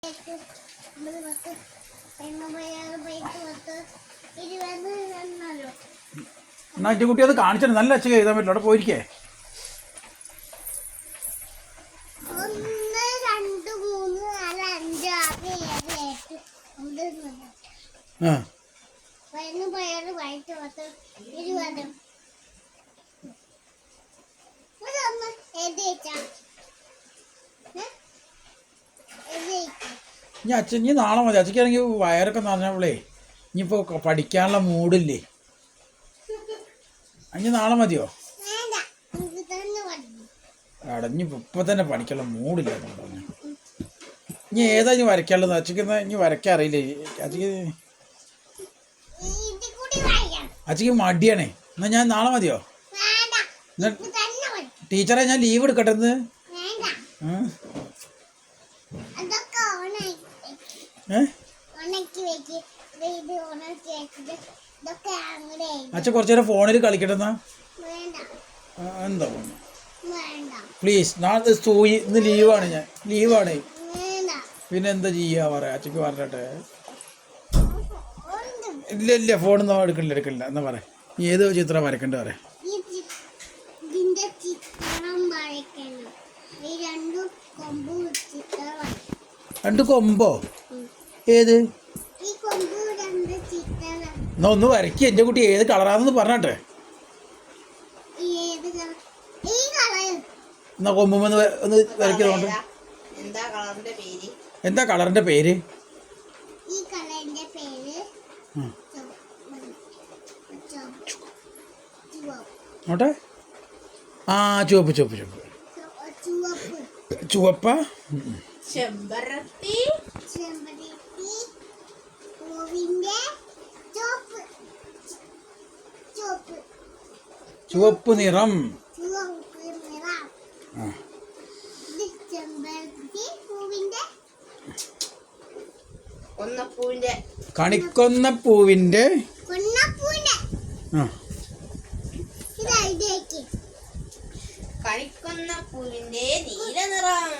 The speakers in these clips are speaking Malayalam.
എന്നാ കുട്ടി അത് കാണിച്ചിട്ട് നല്ല അച്ഛൻ എഴുതാൻ പറ്റില്ല. അവിടെ പോയിരിക്കേ. 1 2 3 4 5 6 7 8 ഇനി അച്ഛൻ ഇനി നാളെ മതി. അച്ഛക്കാണെങ്കിൽ വയറൊക്കെ നിറഞ്ഞപ്പോളേ ഇനിയിപ്പോൾ പഠിക്കാനുള്ള മൂഡില്ലേ. ഇനി നാളെ മതിയോ? അടഞ്ഞിപ്പോൾ ഇപ്പം തന്നെ പഠിക്കാനുള്ള മൂഡില്ല എന്ന് പറഞ്ഞു. ഇനി ഏതാ ഇനി വരയ്ക്കാനുള്ളത്? അച്ഛക്ക് ഇനി വരയ്ക്കാൻ അറിയില്ലേ അച്ഛക്ക് മടിയാണേ. എന്നാൽ ഞാൻ നാളെ മതിയോ? ടീച്ചറെ ഞാൻ ലീവ് എടുക്കട്ടെ എന്ന്. അച്ഛൻ കുറച്ചു നേരം ഫോണിൽ കളിക്കട്ടെ എന്നാ. എന്താ പ്ലീസ്. നാളെ സൂയി ഇന്ന് ലീവാണ്. ഞാൻ ലീവാണ്. പിന്നെ എന്താ ചെയ്യാ പറയാ? അച്ഛക്ക് പറഞ്ഞട്ടെ. ഇല്ല ഇല്ല ഫോണൊന്നും എടുക്കില്ല എന്നാ പറയാ. ഏത് ചിത്രം വരക്കണ്ട പറയാ. രണ്ട് കൊമ്പോ? ഏത്? എന്നാ ഒന്ന് വരയ്ക്കുക എൻ്റെ കുട്ടി. ഏത് കളറാണെന്ന് പറഞ്ഞട്ടെ. എന്നാ കൊമ്പുമെന്ന് ഒന്ന് വരയ്ക്കുന്നുണ്ട്. എന്താ കളറിന്റെ പേര്? നോട്ടെ. ആ ചുവപ്പ് ചുവപ്പ് ചുവപ്പ് ചുവപ്പ. ചുവപ്പ് നിറം. കണിക്കൊന്ന പൂവിന്റെ കണിക്കൊന്ന പൂവിന്റെ നീല നിറം.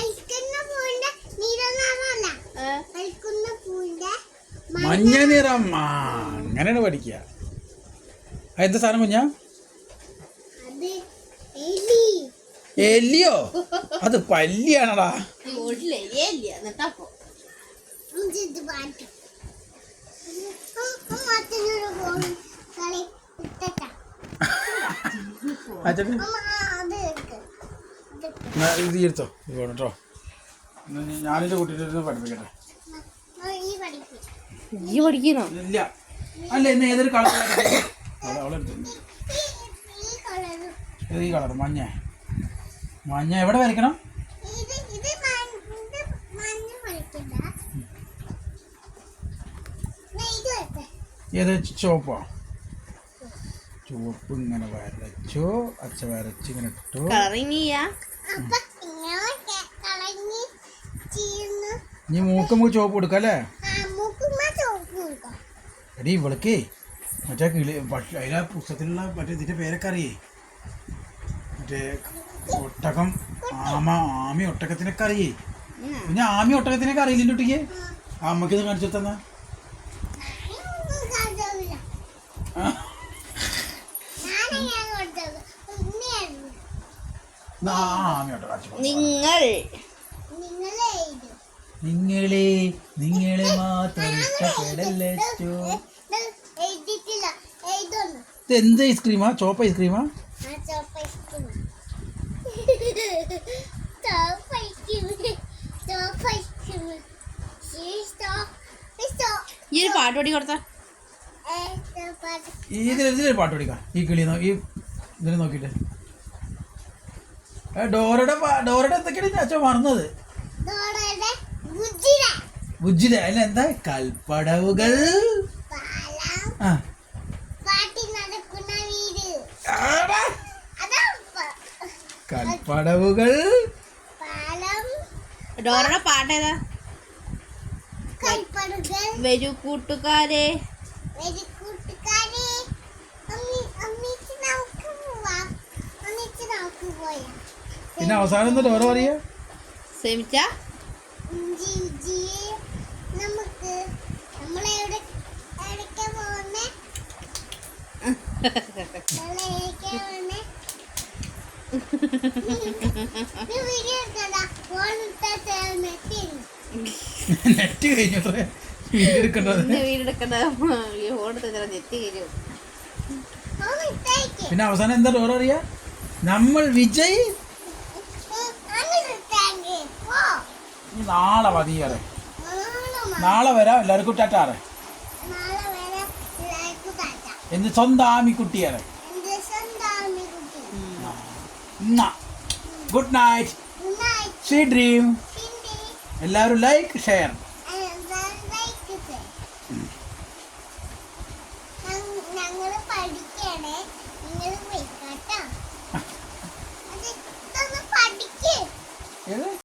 മഞ്ഞ നിറം. ആ അങ്ങനെയാണ് പഠിക്കുക. എന്താ സാധനം കുഞ്ഞാ? എലിയോ? അത് പല്ലിയാണടാ. ഇത് എടുത്തോ കേട്ടോ. ഞാനെൻ്റെ കുട്ടീനെ പഠിപ്പിക്കട്ടെ. ഇല്ല അല്ല ഇന്ന് ഏതൊരു കളർ? അവളെടുത്തു. ഏത് ഈ കളർ? മഞ്ഞ. മഞ്ഞ എവിടെ വരയ്ക്കണം? ഏത്? ചുവപ്പോ? ചുവപ്പ് ഇങ്ങനെ വരച്ചു. അച്ഛ വരച്ച് ഇങ്ങനെ ഇട്ടു. ഇനി മൂക്കുമ്പോൾ ചുവപ്പ് കൊടുക്കാം അല്ലേ? എടീ ഇവൾക്ക് മറ്റേ കിളി അതിലാ പുസ്തകത്തിലുള്ള മറ്റേ ഇതിൻ്റെ പേരൊക്കെ അറിയേ. മറ്റേ ഒട്ടകം, ആമി ഒട്ടകത്തിനൊക്കെ അറിയേ. പിന്നെ ആമി ഒട്ടകത്തിനൊക്കെ അറിയില്ല കുട്ടിക്ക്. അമ്മക്കിത് കാണിച്ചു തന്നാ. നിങ്ങളെ മാത്രം ഇഷ്ടപ്പെടല്ലോ. എന്ത് ഐസ്ക്രീമാ? ചോപ്പ് ഐസ്ക്രീമാ? ഈ ഒരു പാട്ട് പാടി കൊടുത്ത ഇതിലൊരു പാട്ട് പഠിക്കാം. ഈ കിളി ഈ ഇതിനെ നോക്കിയിട്ട്. ഡോറയുടെ എന്തൊക്കെയാണ് അച്ഛൻ മറന്നത്? ബുജ്ജില. അല്ല എന്താ? കൽപ്പടവുകൾ. കൽപ്പടവുകൾ. ഡോറയുടെ പാട്ടേതാ? വരൂ കൂട്ടുകാരെ. പിന്നെ അവസാനം ഡോറ പറയാ. ശ്രമിച്ച വിജി നമുക്ക് നമ്മളെവിടെ എവിടേക്കാ പോകുന്നേ നമ്മളെവിടേക്കാ പോകുന്നേ വീഡിയോ എടുക്കണ്ട ഫോൺ നെറ്റ് കഴിഞ്ഞു വീഡിയോ എടുക്കേണ്ടത്. വീടെടുക്കണ്ട ഓടുത്ത നെറ്റ് കയറും. പിന്നെ അവസാനം എന്താ ഡോർ അറിയാ, നമ്മൾ വിജയ് നാളെ മതിയേറെ. നാളെ വരാം എല്ലാവർക്കും ടാറ്റാറെ. എന്ത് സ്വന്തം ആമിക്കുട്ടിയേറെ. Good night, sweet dream. എല്ലാവരും ലൈക്ക് ഷെയർ.